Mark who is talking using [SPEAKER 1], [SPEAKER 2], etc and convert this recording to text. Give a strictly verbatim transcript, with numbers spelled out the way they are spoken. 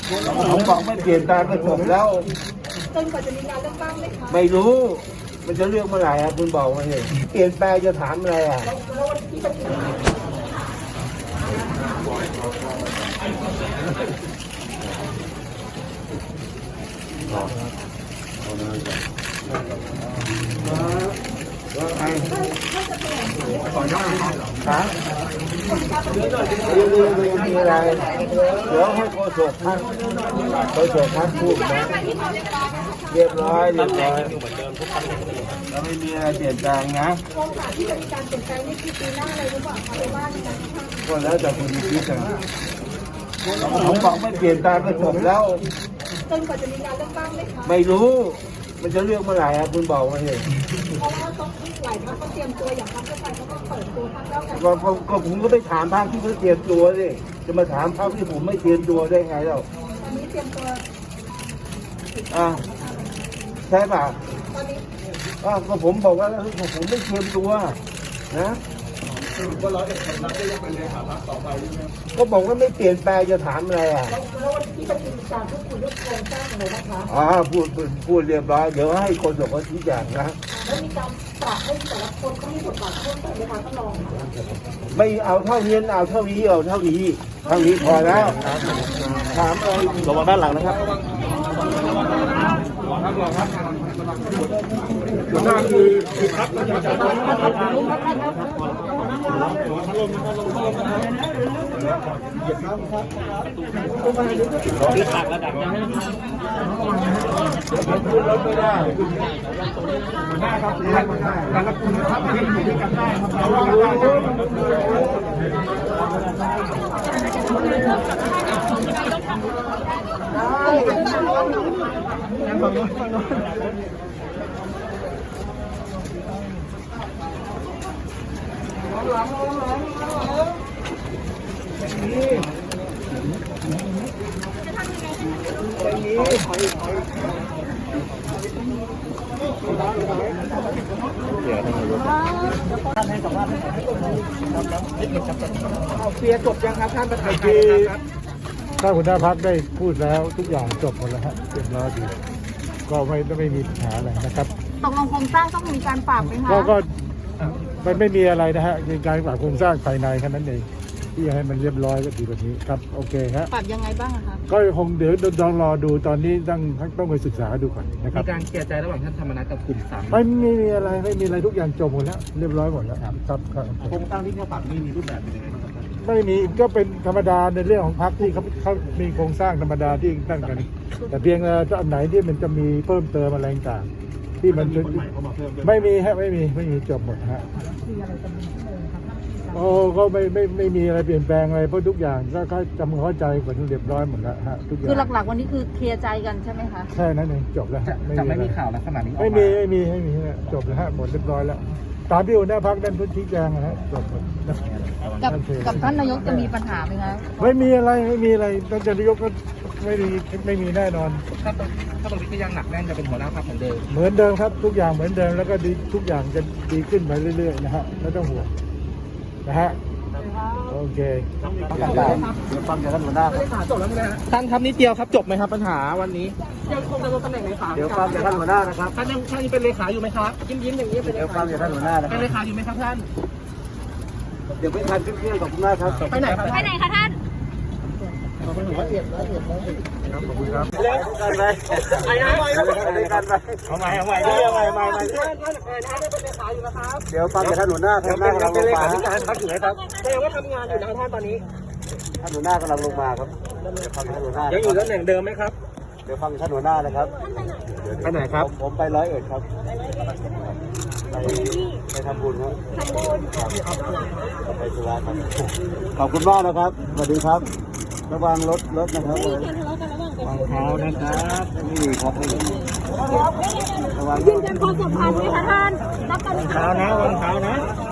[SPEAKER 1] ผมบอกไม่เปลี่ยนแปลงก็จบแล้ว
[SPEAKER 2] จนกว่าจะมีการเลือกตั้งไหมคะ
[SPEAKER 1] ไม่รู้มันจะเลือกเมื่อไหร่อ่ะคุณบอกมาเลยเปลี่ยนแปลงจะถามอะไรอ่ะว่าไงขอยอดฮะมีอะไรเดี๋ยวให้โฆษกท่านโฆษกท่านพูดนะเรียบร้อยเรียบร้อยแล้วไม่มีอะไรเปลี่ยนแปลงนะ
[SPEAKER 2] โอกาสที่จะมีการเปลี่ยนแปลงนี่คือปีหน้าเลยหรือเปล่าคะหรือว่าในการ
[SPEAKER 1] ก็แล้วแต่คุณคิดนะผมบอกไม่เปลี่ยนแปลงก็จบแล้ว
[SPEAKER 2] จนกว่าจะมีการเลือกตั้งไหมคะ
[SPEAKER 1] ไม่รู้มันจะเลือกเมื่อไหร่อ่ะคุณบอกมาเลย
[SPEAKER 2] เพราะว่าต้องหลายพรรคก็เตรียมตัวอย่างพรรคเพื่อไทยเขาก็เปิดตัวพรรคแล้วกัน
[SPEAKER 1] ก็ผมก็ไปถามพรรคที่เขาเตรียมตัวสิจะมาถามพรรคที่ผมไม่เตรียมตัวได้ไงเรา
[SPEAKER 2] ตอนนี้เตรียมตัว
[SPEAKER 1] อ่าใช่ป่ะ
[SPEAKER 2] ตอนนี้
[SPEAKER 1] อ่าก็ผมบอกว่าแล้วผมไม่เตรียมตัวนะก็ร้อยเอ็ดคนรับได้ยังเป็นเลขาพรรคต่อไปใช่ไหมก็บอกว่าไม่เปลี่ยนแปลงจะถามอะไรอ่ะ
[SPEAKER 2] แล้ววันที่ประชุมการพูดคุยเรื่องโครงสร้างอะไรนะคะ
[SPEAKER 1] อ่าพูดพูดเรียบร้อยเดี๋ยวให้คนส่งเขาชี้แจงนะ
[SPEAKER 2] แล้วมีการปรับให้แต่ละคนเขามีบทบาทเพิ่มเติมไหมคะท่านรอง
[SPEAKER 1] ไม่เอาเท่านี้เอาเท่านี้เอาเท่านี้เท่านี้พอแล้วถามอะไรระวังด้านหลังนะครับหัวหน้าคือคือครับคือตักระดับยังไม่ขึ้นรถไม่ได้หัวหน้าครับการรับคุณภาพที่อยู่ด้วยกันได้ครับเรา
[SPEAKER 2] เคลียร์จบยังครับท่านประธานครับ
[SPEAKER 3] ถ้าหัวหน้าพรรคได้พูดแล้วทุกอย่างจบหมดแล้วฮะเรียบร้อยดีก็ไม่ไม่มีปัญหาอะไรนะครับ
[SPEAKER 2] ตกลงโครงสร้างต้องมีการปรับไหมคะ
[SPEAKER 3] ก็มันไม่มีอะไรนะฮะมีการปรับโครงสร้างภายในแค่นั้นเองที่ให้มันเรียบร้อยก็ดีกว่านี้ครับโอเคฮะ
[SPEAKER 2] ปรับยังไงบ้างครับ
[SPEAKER 3] ก็คงเดี๋ยวลองรอดูตอนนี้ต้องต้องไปศึกษาดูก่อนนะครับ
[SPEAKER 4] มีการเคลียร์ใจระหว่างท่านธรรมนัสกับกลุ่มสาม
[SPEAKER 3] ไม่มีอะไรไม่มีอะไรทุกอย่างจบหมดแล้วเรียบร้อยหมดแล้วครับครับ
[SPEAKER 4] โครงสร้างที่เขาปรับนี่มีรูปแบบเป็นยังไงบ้างครับ
[SPEAKER 3] ไม่มีก็เป็นธรรมดาในเรื่องของพรรคที่เขาเขามีโครงสร้างธรรมดาที่ตั้งกันแต่เพียงแต่อันไหนที่มันจะมีเพิ่มเติมอะไรต่างที่มันไม่มีฮะไม่มีไม่มีจบหมดฮะโอ้ก็ไม่ไม่ไม่มีอะไรเปลี่ยนแปลงอะไรเพราะทุกอย่างก็ก็จำเข้าใจหมดเรียบร้อยหมดแล้วฮะทุกอย่าง
[SPEAKER 2] คือหลักๆวันนี้คือเคลียร์ใจกันใช่ไหมคะ
[SPEAKER 3] ใช่นั่นเองจบแล้ว
[SPEAKER 4] จะไม่มีข่าวลักษณะนี้
[SPEAKER 3] ไม่มีไม่มีไม่มีจบแล้วฮะหมดเรียบร้อยแล้วตามที่หัวหน้าพรรคนั้นพื้นที่แจงนะฮะจบ
[SPEAKER 2] กับกับท่านนายกจะมีปัญหาไหมคะ
[SPEAKER 3] ไม่มีอะไรไม่มีอะไรท่านนายกก็ไม่มีไม่มีแน่นอน
[SPEAKER 4] ถ้าตรงถ้าตรงนี้ก็ยังหนักแน่นจะเป็นหัวหน้าพรรคเหมือนเดิม
[SPEAKER 3] เหมือนเดิมครับทุกอย่างเหมือนเดิมแล้วก็ดีทุกอย่างจะดีขึ้นไปเรื่อยๆนะฮะไม่ต้องห่วงนะฮะโอเค
[SPEAKER 4] ฟังจากท่านหัวหน้าจบแล้วไหมฮะท่านครับนิดเดียวครับจบไหมครับปัญหาวันนี้ยังคงดำรงตำแหน่งเลขา
[SPEAKER 1] เดี๋ยวฟังจากท่านหัวหน้านะครับ
[SPEAKER 4] ท่านยังท่านยังเป็นเลขาอยู่ไหมครับยิ้มยิ้มอย่างนี้เป็น
[SPEAKER 1] เดี๋ยวฟังจากท่านหัวหน้านะ
[SPEAKER 4] เป็นเลขาอยู่ไหมครับท่าน
[SPEAKER 1] เดี๋ยวไม่ทันขึ้นเครื่องขอบคุณมากครับ
[SPEAKER 4] ไปไหนครับ
[SPEAKER 2] ไปไหนคะท่าน
[SPEAKER 1] ขอบคุณครับขอบคุณครับเล่นกันไปไอ้น้ำไปเล่นกันไปเอาใหม่เอาใหม่เอาใหม่เอาใหม่เอาใหม่ท่านท่านท่านเป็นเลขาอยู่นะครับเดี๋ยวฟังจากท่านหัวหน้าท่านหัวหน้ากำลังลงมาท่านอยู่ไหนครับ
[SPEAKER 4] แต่ยังว่าทำงานอยู่นะท่านตอนนี้
[SPEAKER 1] ท่านหัวหน้ากำลังลงมาครับฟังท่านหัวหน้า
[SPEAKER 4] ยังอยู่ตำแหน่งเดิมไหมครับ
[SPEAKER 1] เดี๋ยวฟังท่านหัวหน้านะครับ
[SPEAKER 4] ไปไหนครับ
[SPEAKER 1] ผมไปร้อยเอ็ดครับไปไปทำบุญครับทำบุญไปสุราษฎร์ครับขอบคุณมากนะครับสวัสดีครับระวังรถรถนะครับวางเท้านะครับนี่ครับระวังยืนยันความสัมพันธ์ไหมคะท่านรับการ
[SPEAKER 4] เท้านะวางเท้านะ